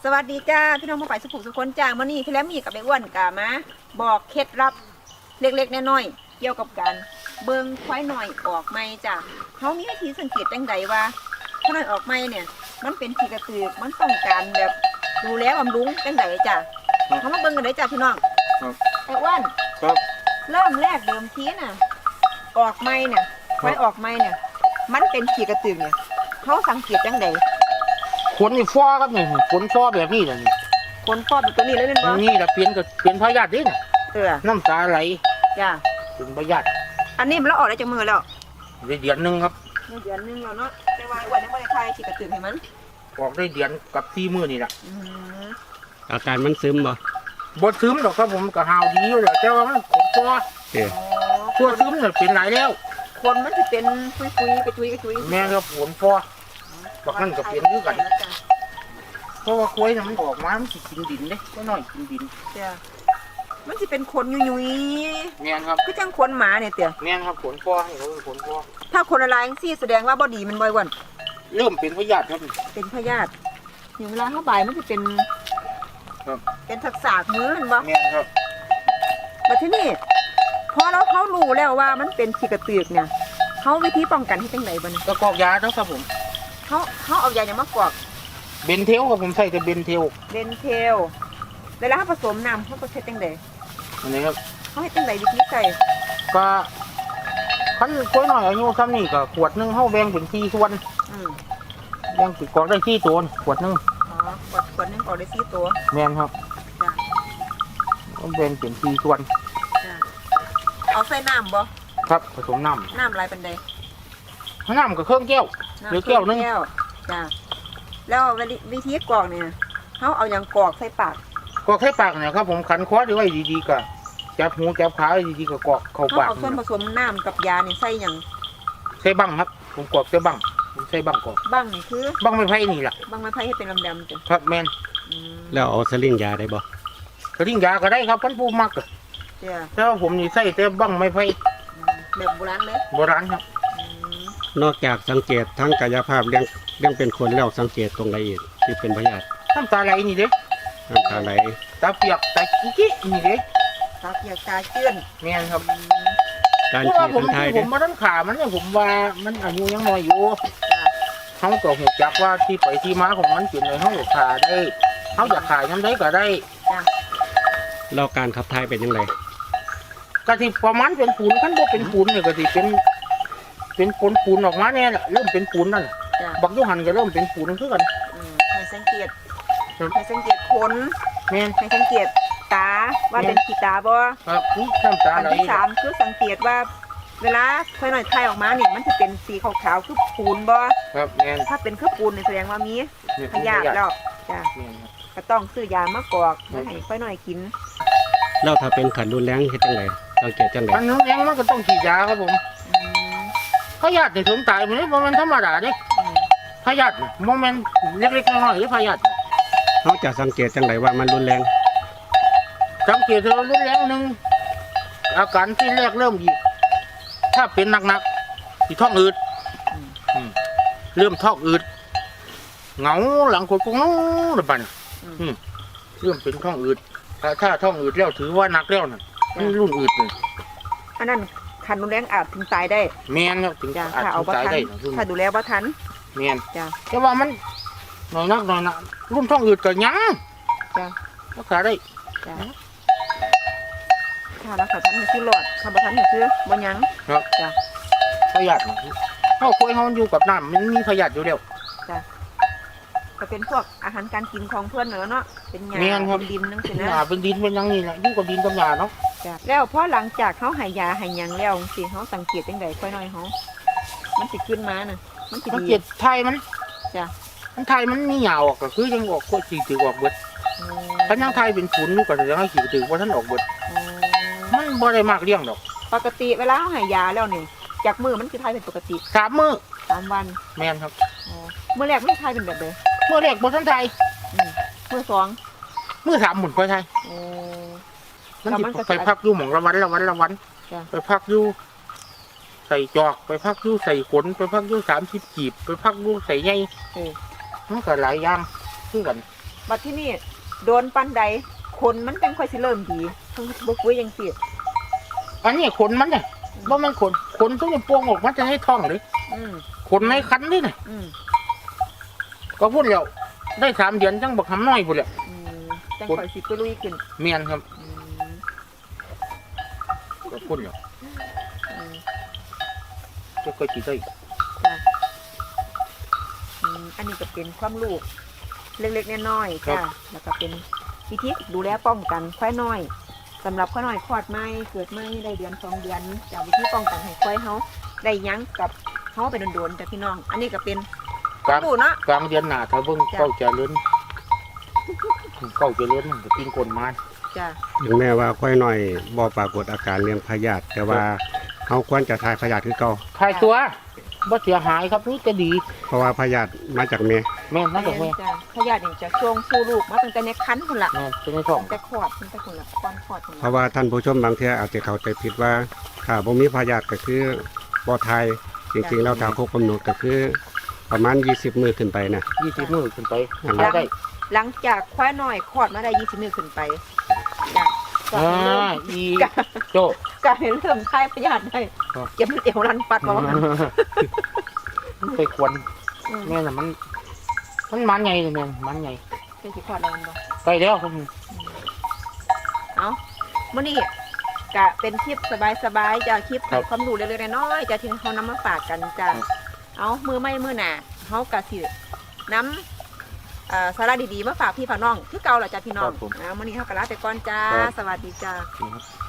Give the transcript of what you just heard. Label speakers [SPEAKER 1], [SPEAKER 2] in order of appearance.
[SPEAKER 1] สวัสดีจ้าพี่น้องผู้ฝ่ายสุขุมสุขนจ้ามื่อนี้พี่แล้วมีกับไอ้อ้วนกามาบอกเคล็ดลับเล็กๆน้อยๆเกี่ยวกับการเบิ่งควายหน่อยออกไม้จ้าเขามีวิธีสังเกตจังใดว่าควายหน่อยออกไม้เนี่ยมันเป็นขี้กระตือกมันต้องการแบบดูแลบำรุงจังใดจ้าเขามาเบิ่งกันเลยจ้าพี่น้องไอ้อ้วนเริ่มแรกเดิมทีน่ะออกไม้เนี่ยควายออกไม้เนี่ยมันเป็นขี้กระตือกเนี่ยเขาสังเกตจังใด
[SPEAKER 2] ขนนี่ฟ้อครับนี่ขนฟ้อแบบนี้แหละนี่
[SPEAKER 1] ขนฟ้อแบบตัวนี้เลยเป็นบ่
[SPEAKER 2] นี่แหละเปลี่ยนกับเปลี่ยนพยาธิดิน้ำตาไหล
[SPEAKER 1] จ้า
[SPEAKER 2] เป็นพยาธิ
[SPEAKER 1] อันนี้มันแล้วออกได้จากมือแล้ว
[SPEAKER 2] ได้เดือนนึงครับ
[SPEAKER 1] เดือนนึงแล้วเนาะแต่ว่าวันนี้ไม่ได้ทายฉีดกระตุ้นให้มัน
[SPEAKER 2] ออกได้เดือนกับ4 มื้อนี่แหละ
[SPEAKER 3] อาการมันซึม
[SPEAKER 2] บ่ซึมหรอกครับผมก็หาวดีอยู่แล้วแต่ว่ามันขนฟ้อตัวซึมเนี่ยเป็นหลายแล้ว
[SPEAKER 1] คนมันจะเป็นคุยๆกระจุย
[SPEAKER 2] แม่ครับขนฟ้อบักนั่นก็เป็นคือกันเพราะว่าควายน่ะมันออกมามันสิกินดินเด้ก็น้อยกินดิน
[SPEAKER 1] จ้ะมันจะเป็นคนยุย
[SPEAKER 2] ๆแม่นครับ
[SPEAKER 1] คือจังคนหมาเนี่ยเตี่ย
[SPEAKER 2] แม่นครับขนฟ้อนี่เขาเป็นขนฟ้อ
[SPEAKER 1] ถ้าคนอะไรจังซี่แสดงว่าบ่ดีมันบ่อยวัน
[SPEAKER 2] เริ่มเป็นพยาธิครับ
[SPEAKER 1] เป็นพยาธิอย่างเวลาเข้าบ่ายมันจะเป็นเป็นทักษะมือมันบ่
[SPEAKER 2] แม่นครับ
[SPEAKER 1] แต่ที่นี่พอเขารู้แล้วว่ามันเป็นขี้กระตือกเนี่ยเขาวิธีป้องกันให้จังไหนบ่เนี่ย
[SPEAKER 2] ก็กอกยาเนาะครับผม
[SPEAKER 1] เขาเอายาอย่างมากอก
[SPEAKER 2] เบนเทลครับผมใส่แต่เบนเทล
[SPEAKER 1] เวลาเขาผสมน้ำเขาก็ใช้จังใด
[SPEAKER 2] อันนี้ครับ
[SPEAKER 1] เขาให้จังใดวิธีใส่
[SPEAKER 2] ก็ขั้นกล้วยหน่อยอายุซ้ำนี่ก็ขวดนึงเขาแบ่งเป็น4 ส่วนแบ่งติดกอกได้4 ตัวขวดนึง
[SPEAKER 1] ขวดนึงกอกได้4 ตัว
[SPEAKER 2] แม่นครับ
[SPEAKER 1] จ้ะ
[SPEAKER 2] แบ่งเป็น4 ส่วน
[SPEAKER 1] จ้ะเอาใส่น้ำบ่
[SPEAKER 2] ครับผสมน้ำ
[SPEAKER 1] อะไรเป็นใด
[SPEAKER 2] น้ำกับเครื่องแก้วหรือแก้วนึง
[SPEAKER 1] จ้ะแล้ววิธีกรอกเนี่ยเขาเอาอย่างกรอกใส่ปาก
[SPEAKER 2] กอกใส่ปากเนี่ยครับผมขันคอไว้ดีๆก็จับหูจับขาดีๆก็กอกเข้าปาก
[SPEAKER 1] เอาส่วนผสมน้ำกับยาเนี่ยใส่อย่าง
[SPEAKER 2] ใส่บังครับผมกอกใส่บังใส่บังกอก
[SPEAKER 1] บังนี่คือ
[SPEAKER 2] บังไม้ไผ่นี่แหละ
[SPEAKER 1] บังไม้ไผ่ให้เป็นดำๆจ้ะ
[SPEAKER 2] ครับแม่น
[SPEAKER 3] แล้วเอาสลิงยาได้บ่
[SPEAKER 2] สลิงยาก็ได้ครับพันผู้มักแต่ว่าผมนี่ใส่แต่บังไม้ไผ่
[SPEAKER 1] แบบโบราณเลย
[SPEAKER 2] โบราณครับ
[SPEAKER 3] นอกจากสังเกตทั้งกายภาพเรื่องเป็นคนแล้วสังเกตตรงไหนอีกที่เป็นพยาธิ
[SPEAKER 2] น้ำตาไหลนี่เด้
[SPEAKER 3] น้ำตาไหล
[SPEAKER 2] ตาเปียกตาจี้นี่เด้
[SPEAKER 1] ตาเปียกตาเจื้อน
[SPEAKER 2] แม่นครับ
[SPEAKER 3] การฉีด
[SPEAKER 2] ผมมาตั้งขามันเนี่ยผมว่ามันอายุยังน้อยอยู่เขาก็หูจักว่าที่ไปที่มาของมันเป็นในห้องขาได้เขาอยากขายน้ำได้ก็ได้
[SPEAKER 3] แล้วการขับถ่ายเป็นยังไง
[SPEAKER 2] กะทิประมาณเป็นปูนขั้นบ่เป็นปูนเนี่ยกะทิเป็นปูนออกมาเนี่ยแหละเริ่มเป็นปูนนั่นบักยุหันก็เริ่มเป็นปูนขึ้นกัน
[SPEAKER 1] ให้สังเกตขนให้สังเกตตาว่าเป็นขี้ตาบ่
[SPEAKER 2] ครับนี่น้ำตาไหล
[SPEAKER 1] อันที่3คือสังเกตว่าเวลาค่อยหน่อยไทยออกมาเนี่ยมันจะเป็นสีขาวๆคือปูนบ่
[SPEAKER 2] ครับแม่น
[SPEAKER 1] ถ้าเป็นคือปูนเนี่ยแสดงว่ามีพยาธิแล้วจ้ะก็ต้องซื้อยามากอกมาให้ค่อยหน่อยกิน
[SPEAKER 3] แล้วถ้าเป็นขันรุนแรงเฮ็ดจังไดสังเกตจังได
[SPEAKER 2] ขันรุนแรงมันก็ต้องฉีดยาครับผมพยาธิถึงตายมันนี่มันธรรมดาเด้พยาธิโมเมนต์เล็กๆน้อยๆหรือพยาธิ
[SPEAKER 3] นอกจากสังเกตจังไดว่ามันรุนแรง
[SPEAKER 2] สังเกตว่ารุนแรงหนึ่งอาการที่แรกเริ่มอีกถ้าเป็นหนักๆที่ท้องอืดเริ่มท้องอืดเหงาหลังกดกงน้องระบาดเริ่มเป็นท้องอืดถ้าท้องอืดแล้วถือว่าหนักแล้วน่ะนี่รุ่นอืดเลย
[SPEAKER 1] อันนั้นคันรุนแรงอาจถึงตายได้
[SPEAKER 2] แม่นครับถึงอาจถึงตายได้
[SPEAKER 1] ถ้าดูแลบ่ทัน
[SPEAKER 2] แม่นแต่ว่ามันน้อยนักรุ่นท้องอืดก็ยังรักษาได้
[SPEAKER 1] ค่ะรักษาทันคือหลอดคำบ่ทันคือบ่ยัง
[SPEAKER 2] ครับจ้ะพยาธิเขาคุยเขาอยู่กับน้ำมันมีพยาธิอยู่แล้ว
[SPEAKER 1] จ้ะก็เป็นพวกอาหารการกินของเพื่อนเนาะเป็นหญ้าเป็นดินนั่นสินะ
[SPEAKER 2] เป็นดินเป็นยังนี่แหละอยู่กับดินกับหญ้าเนาะ
[SPEAKER 1] แล้วพอหลังจากเขาให้ยาให้ยังแล้วสิเขาสังเกตจังไดค่อยน้อยเขามันสิขึ้นมาน่ะมันสิดี
[SPEAKER 2] ไทยมัน
[SPEAKER 1] จ้ะ
[SPEAKER 2] มันไทยมันมีหญ้าออกก็คือยังออกก็สีถือออกเบิดถ้ายังไทยเป็นฝุ่นก็จะยังให้สีถือว่าท่านออกเบิดมันบ่ได้มากเลี้ยงดอก
[SPEAKER 1] ปกติเวลาเขาให้ยาแล้วเนี่ยจากมือมันคือไทยเป็นปกติ
[SPEAKER 2] 3 มื้อ
[SPEAKER 1] 3 วัน
[SPEAKER 2] แม่นครับ
[SPEAKER 1] เมื่อแรกไม่ไทยเป็นแบบเลย
[SPEAKER 2] เมื่อแรกบ่ทันไทย
[SPEAKER 1] เมื่อ2
[SPEAKER 2] มื้อ3หมุนค่อยไทยมันสิไปพักอยู่หม่องละวันไปพักอยู่ใส่จอกไปพักอยู่ใส่ขนไปพักอยู่30 กีบไปพักอยู่ใส่ใยมันก็หลายอย่างคือกัน
[SPEAKER 1] บัดที่นี่โดนปันใดคนมันจังค่อยสิเริ่มดีทั้งบ่ปุ๋ยจังซี่
[SPEAKER 2] อันนี้ขนมันเนี่ยว่ามันขนต้องปวงออกมันจะให้ท้องเลย
[SPEAKER 1] อืม
[SPEAKER 2] ขนในคันนี่เนี่ย
[SPEAKER 1] อืม
[SPEAKER 2] ก็พูดแล้วได้3 เดือนจังบักหำน้อยพูดแล้ว
[SPEAKER 1] อืมจังค่อยสิไปลุยขึ้น
[SPEAKER 2] เมียนครับ
[SPEAKER 1] อืม
[SPEAKER 2] ก็พูดแล้ว
[SPEAKER 1] อืม
[SPEAKER 2] จะค่อยสิได้
[SPEAKER 1] จ้ะอันนี้ก็เป็นความรู้เล็กๆน้อยๆจ้ะแล้วก็เป็นวิธีดูแลป้องกันควายน้อยสำหรับควายน้อยคลอดใหม่เกิดใหม่ได้เดือน2 เดือนจากวิธีป้องกันให้ควายเฮาได้หยังกับเฮาไปโดนๆจ้ะพี่น้อง อันนี้ก็เป็นค
[SPEAKER 2] ก
[SPEAKER 1] วา
[SPEAKER 2] ลาม ง
[SPEAKER 1] รู้เนาะ
[SPEAKER 2] กลางเดือนหน้าถ้าเบิ่ง
[SPEAKER 1] จ้ะ
[SPEAKER 2] เก้าเจริญเก้าเจริญมันก็กินคนมา
[SPEAKER 1] จ้ะ
[SPEAKER 3] ถึงแม้ว่าค่อยหน่อยบ่ปรากฏอาการเรื่องพยาธิแต่ว่าเขาควรจะทายพยาธิคือเก่า
[SPEAKER 2] ทายตัวบ่เสียหายครับนี่จะดี
[SPEAKER 3] เพราะว่าพยาธิมาจากแม่
[SPEAKER 2] แม่นมาจากแม่
[SPEAKER 1] จ้ะพยาธินี่จะช่วงสู่ลูกมาตั้งแต่ในครรภ์พุ่นล่ะ
[SPEAKER 2] แม่นเป็นในท้อง
[SPEAKER 1] ตั้งแต่คลอดตั้งแต่พุ่นล่ะก่อนคลอดพุ่น
[SPEAKER 3] เพ
[SPEAKER 1] ล่ะ
[SPEAKER 3] ราะว่าท่านผู้ชมบางเที่ยอาจจะเข้าใจผิดว่าถ้าบ่มีพยาธิก็คือบ่ทายจริงๆแล้วถ้าครบกำหนดก็คือประมาณ20มื้อขึ้นไปนะ
[SPEAKER 2] 20 มื้อขึ้นไป
[SPEAKER 3] อืม
[SPEAKER 2] ทายได้
[SPEAKER 1] หลังจากควายน้อยคลอดมาได้20 มื้อขึ้นไปจ้ะก็
[SPEAKER 2] อ่า
[SPEAKER 1] ให้เริ่ม
[SPEAKER 2] อีโจ
[SPEAKER 1] ก็ให้เริ่มคลายพยาธิได้
[SPEAKER 2] ครับ
[SPEAKER 1] เก็บมันเอวรันปัดบ่ว่างั้น
[SPEAKER 2] มันไปควร
[SPEAKER 1] อืม
[SPEAKER 2] แม่น่ะมันมันใหญ่เลยแม่นมันใหญ่
[SPEAKER 1] เป็นสิคลอดแล้วมันบ่
[SPEAKER 2] ใกล้แล้วครับ
[SPEAKER 1] เอามื้อนี้ก็เป็นคลิปสบายๆจ้ะคลิปให้ความรู้เล็กๆน้อยๆจ้ะที่เฮานำมาฝากกันจ้ะเอามือไม่มือหน้าเฮาก็สินำสาระดีๆมาฝากพี่ฝากน้องคือเก่าล่ะจ้ะพี่น้องมื้อนี้เฮาก็ลาไปก่อนจ้าสวัสดีจ้า
[SPEAKER 2] นี่ครับ